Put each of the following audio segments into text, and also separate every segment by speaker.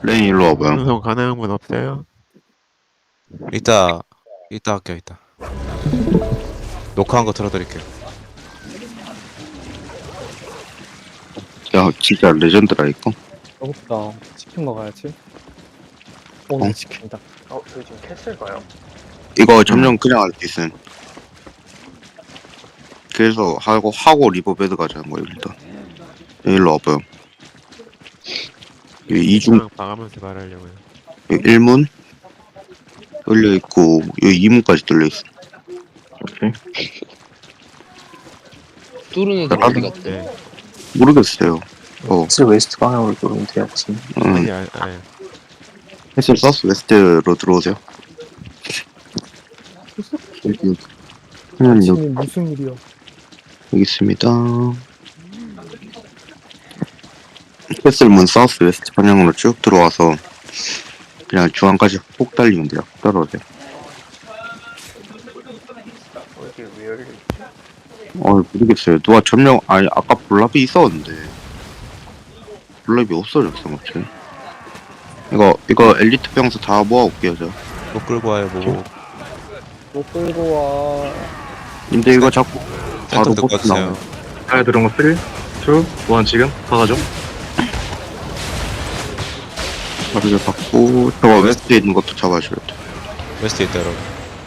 Speaker 1: 레인 일로 와봐요.
Speaker 2: 방송 가능한 분 없어요?
Speaker 3: 이따 할게요. 이따 녹화한 거 들어드릴게요.
Speaker 1: 야, 진짜 레전드라, 이거.
Speaker 4: 배고프다. 치킨 먹어야지. 오,
Speaker 1: 어?
Speaker 4: 치킨이다.
Speaker 5: 저희 지금 캐슬 가요?
Speaker 1: 이거 점령 그냥 할 수 있음. 그래서 하고 리버베드 가자는 거예요, 일단. 일로 와봐요. 여기 이중,
Speaker 2: 그냥 봐가면서 말하려고요.
Speaker 1: 여기 1문 열려있고, 여기 2문까지 뚫려있어. 오케이.
Speaker 6: 뚫은 애들 어디 갔대?
Speaker 2: 네.
Speaker 1: 모르겠어요.
Speaker 4: 사실 웨스트 방향으로 돌면 돼야지.
Speaker 2: 아니,
Speaker 1: 응.
Speaker 2: 아니.
Speaker 1: 헬스 서스 웨스트로 들어오세요. 여기, 여기,
Speaker 4: 무슨 일이야?
Speaker 1: 여기 있습니다. 캐슬문 사우스 웨스트 방향으로 쭉 들어와서 그냥 중앙까지 폭 달리면 돼요. 따라오세요.
Speaker 5: 이게 왜 열려?
Speaker 1: 모르겠어요. 누가 점령, 아니, 아까 볼랍이 있었는데. 볼랍이 없어졌어, 마치. 이거 엘리트 병사 다 모아올게요, 저.
Speaker 3: 못 끌고 와요. 뭐
Speaker 4: 못 끌고 와.
Speaker 1: 근데 이거 자꾸 바로
Speaker 3: 센터 듣고
Speaker 1: 보스 나와요.
Speaker 3: 왔어요.
Speaker 7: 잘 들은 거 3, 2, 1 지금 가가죠.
Speaker 1: 바로 저 받고, 저거 웨스트에 있는 것도 잡아줘야 돼.
Speaker 3: 웨스트 있다 여러분.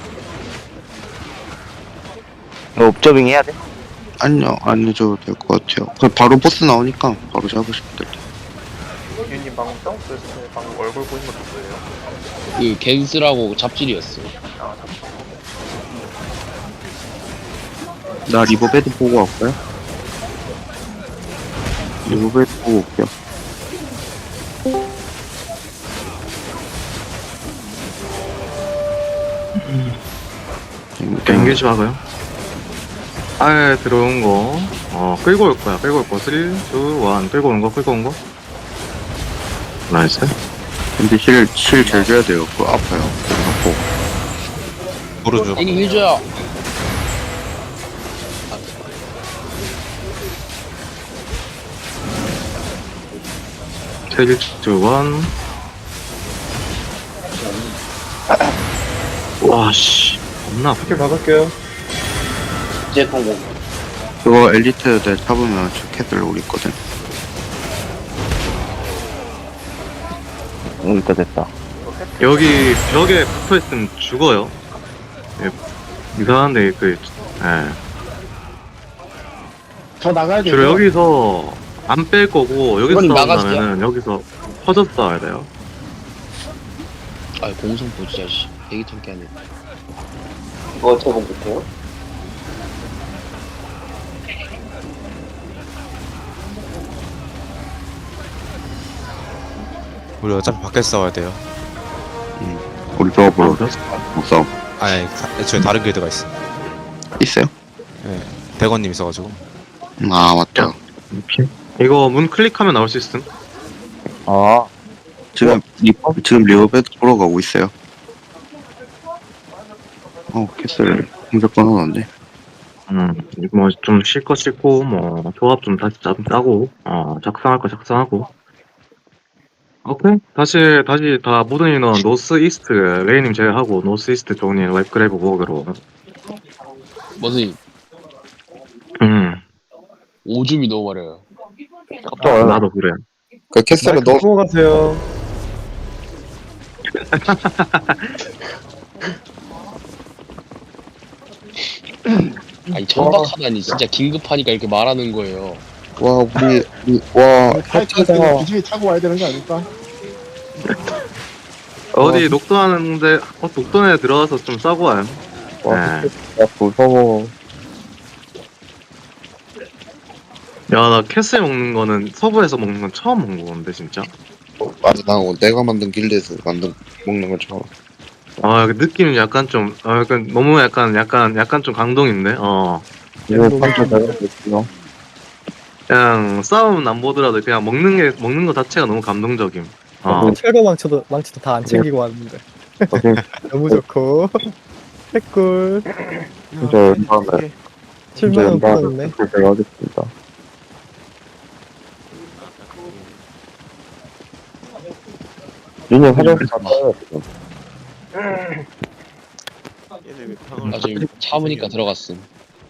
Speaker 8: 옵저빙 해야 돼?
Speaker 1: 아니요, 안 해줘도 될 것 같아요. 그냥 바로 보스 나오니까 바로 잡으시면 될 듯.
Speaker 5: 유님 방금 사우스 웨스트 방금 얼굴 보인 거 누구예요?
Speaker 6: 그 겐스라고 잡질이었어.
Speaker 5: 아 잠시만.
Speaker 1: 나 리버베드 보고 갈까요? 리버베드 보고 올게요.
Speaker 7: 엔게이지 박아요. 아예 들어온 거, 끌고 올 거야. 끌고 올 거. 3, 2, 1. 끌고 온 거, 끌고 온 거. 나이스.
Speaker 1: 근데 실 잘 줘야 돼요. 그거 아파요. 아프고.
Speaker 3: 모르죠.
Speaker 6: 애니 해줘야.
Speaker 7: 텔 2, 1. 와, 씨. 겁나 아프게.
Speaker 4: 막을게요.
Speaker 8: 이제 공공.
Speaker 1: 그거 엘리트들 잡으면 저 캐슬 오고 있거든.
Speaker 8: 됐다 됐다.
Speaker 7: 여기 벽에 붙어있으면 죽어요. 예, 이상한데,
Speaker 4: 저 나가야 돼.
Speaker 7: 주로 여기서 안 뺄 거고, 여기서
Speaker 6: 이건 나가세요.
Speaker 7: 싸운다면은 여기서 퍼져서 싸워야 돼요.
Speaker 6: 아 공성 보자 씨. 대기 통기 하네.
Speaker 8: 이거 어떻게 공격해요?
Speaker 3: 우리 어차피 밖에서 싸워야 돼요.
Speaker 1: 우리 조합으로 싸움.
Speaker 3: 아니 애초에 다른 길드가 있어.
Speaker 1: 있어요?
Speaker 3: 네. 백원님 있어가지고.
Speaker 1: 아, 맞다.
Speaker 7: 이거 문 클릭하면 나올 수 있음.
Speaker 8: 아,
Speaker 1: 지금 리버베드 보러 가고 있어요. 캐슬 공격 끊어놨네.
Speaker 7: 뭐 좀 쉴 거 싣고 뭐 조합 좀 다시 짜고 작성할 거 작성하고. 오케이. 다시 다 모든 인원 노스 이스트 레이님 제외하고 노스 이스트 쪽님 웹그래브 워크로.
Speaker 6: 무슨 오줌이 너무 많아요.
Speaker 7: 나도 그래.
Speaker 1: 그 캐슬은 너
Speaker 4: 보고 가세요.
Speaker 6: 아니 천박하다니 진짜 긴급하니까 이렇게 말하는 거예요.
Speaker 1: 와, 와,
Speaker 4: 탈출해서 기준이 타고 와야 되는 거 아닐까?
Speaker 7: 어디 녹도하는데 녹도에 들어가서 좀 싸고 와요. 네.
Speaker 8: 무서워.
Speaker 7: 야, 나 캐슬 먹는 거는 서부에서 먹는 건 처음 먹는 건데 진짜.
Speaker 1: 맞아, 나 내가 만든 길드에서 먹는 건 처음.
Speaker 7: 그 느낌은 약간 좀 약간 너무 약간 좀 감동인데.
Speaker 8: 이거 판자 잘못했어.
Speaker 7: 그냥 싸움은 안 보더라도 그냥 먹는 거 자체가 너무 감동적임.
Speaker 4: 철거 망치도 다 안 챙기고 왔는데. 너무 좋고. 해꿀.
Speaker 8: 진짜 연방을
Speaker 4: 7만원 받았네.
Speaker 8: 제가 하겠습니다. 리니 화장실 갔다 와요, 지금.
Speaker 2: 얘네 왜 방을
Speaker 6: 나 지금 참으니까 들어갔음.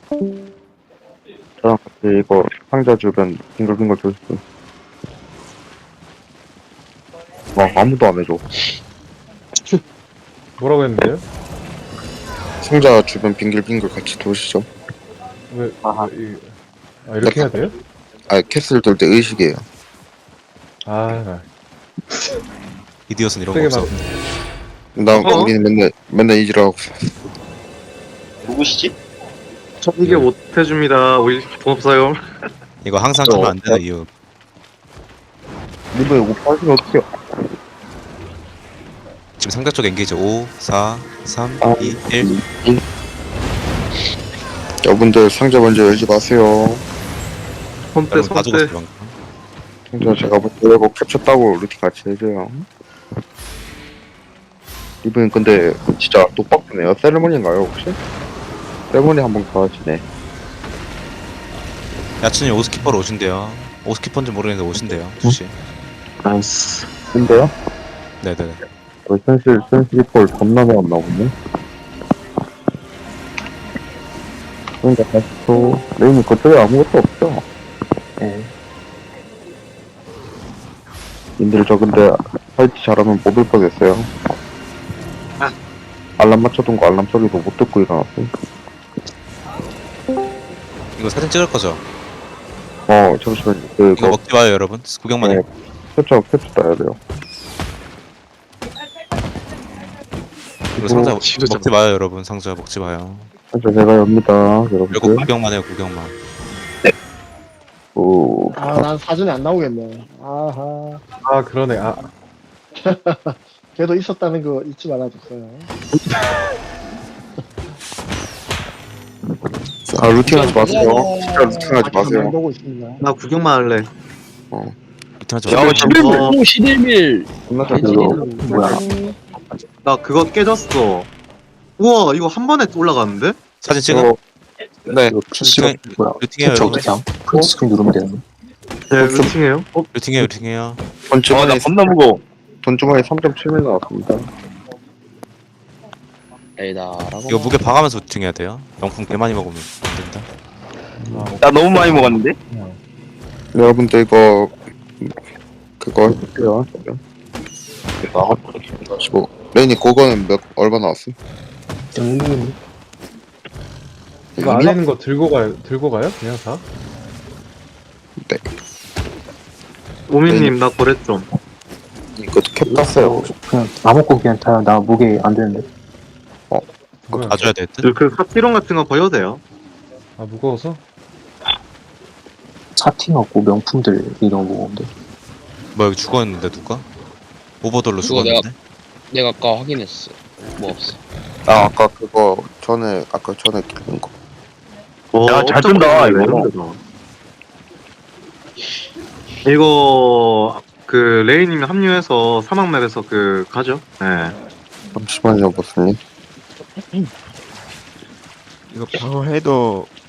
Speaker 8: 저랑 같이 이거 상자 주변 빙글빙글 돌수. 와, 아무도 안 해줘.
Speaker 9: 뭐라고 했는데요?
Speaker 1: 상자 주변 빙글빙글 같이 도시죠.
Speaker 9: 왜, 이렇게 해야 돼요?
Speaker 1: 아, 캐슬 돌 때 의식이에요.
Speaker 9: 아,
Speaker 3: 이디엇은 이런 거
Speaker 9: 되게
Speaker 3: 없어.
Speaker 1: 나 우리는 맨날 이지라고.
Speaker 6: 누구시지?
Speaker 7: 저 이게 못 해줍니다. 우리 돈 없어요.
Speaker 3: 이거 항상 주면 안 되는 이유.
Speaker 8: 리버 이거 빠지면 어떡해요?
Speaker 3: 지금 상대 쪽 엔게이지 5, 4, 3,
Speaker 8: 아,
Speaker 3: 2, 1.
Speaker 1: 여러분들 상자 먼저 열지 마세요.
Speaker 7: 손대
Speaker 3: 여러분 다 죽었어
Speaker 7: 손대.
Speaker 3: 방금.
Speaker 1: 상자 제가 먼저 열고 캡처 따고 루팅 같이 해줘요. 이분 근데 진짜 똑박이네요. 세레머니인가요 혹시? 세레머니 한번 가지네.
Speaker 3: 야친이 오스키퍼로 오신대요. 오스키퍼인지 모르겠는데 오신대요. 주시.
Speaker 7: 나이스.
Speaker 8: 근데요?
Speaker 3: 네네네.
Speaker 8: 센시리폴 겁나 많나 보네. 그러니까 다시 또, 레인이 그쪽에 아무것도 없죠? 네. 님들 저 근데 화이트 잘하면 못 올 뻔했어요. 알람 맞춰둔 거 알람 소리도 못 듣고 일어났어요.
Speaker 3: 이거 사진 찍을 거죠?
Speaker 8: 잠시만요.
Speaker 3: 이거
Speaker 8: 그거
Speaker 3: 먹지 마요 여러분. 구경만 해.
Speaker 8: 캡처 따야 돼요.
Speaker 3: 이거 상자
Speaker 7: 진짜
Speaker 3: 먹지 마요 여러분. 상자 먹지 마요.
Speaker 8: 저 제가 엽니다,
Speaker 3: 그리고
Speaker 8: 여러분들.
Speaker 3: 구경만 해요 구경만.
Speaker 8: 오,
Speaker 4: 아, 난 사전에 안 나오겠네. 아하.
Speaker 9: 아, 그러네. 아,
Speaker 4: 걔도 있었다는 거 잊지 말아줬어요.
Speaker 1: 아 루팅 하지 마세요. 진짜 루팅 하지 마세요.
Speaker 4: 보고 있습니다.
Speaker 7: 나 구경만 할래.
Speaker 3: 이틀하지
Speaker 1: 야,
Speaker 3: 마요.
Speaker 6: 오, 시들밀.
Speaker 8: 끝났다,
Speaker 6: 개질이
Speaker 8: 그거.
Speaker 4: 뭐야?
Speaker 7: 나 그거 깨졌어. 우와 이거 한 번에 올라가는데?
Speaker 3: 사진 찍어.
Speaker 1: 네.
Speaker 3: 루팅해요 여러분.
Speaker 8: 스크린 누르면 되는
Speaker 7: 네 루팅해요.
Speaker 3: 루팅해요.
Speaker 1: 돈주머니 겁나 무거워. 돈주머니 3.7명 나왔습니다.
Speaker 6: 에이다라고.
Speaker 3: 이거 무게 봐가면서 루팅해야 돼요. 명품 개 많이 먹으면 안 된다.
Speaker 1: 나 너무 많이 먹었는데? 여러분들 이거 그거 할게요. 나가지고 레인이 그거는 얼마 나왔어?
Speaker 9: 이거 안에 있는 거 들고 가요? 그냥 다?
Speaker 7: 오미님 나 거래 좀.
Speaker 1: 이거 캡 땄어요.
Speaker 8: 그냥 아무거 그냥 타요. 나 무게 안 되는데.
Speaker 9: 뭐야?
Speaker 3: 봐줘야 될 듯.
Speaker 7: 그 사티론 같은 거 버려도 돼요.
Speaker 9: 아, 무거워서?
Speaker 8: 차팅하고 명품들 이런 거인데.
Speaker 3: 뭐 여기 죽었는데 누가? 오버돌로
Speaker 6: 그거
Speaker 3: 죽었는데?
Speaker 6: 내가 아까 확인했어. 뭐 없어.
Speaker 1: 아 아까 그거 전에 끼는 거.
Speaker 7: 야, 잘 뜬다, 이거. 이거, 그, 레이님이 합류해서 사막맵에서 그, 가죠? 네.
Speaker 1: 잠시만요, 보스님.
Speaker 2: 이거 방어해도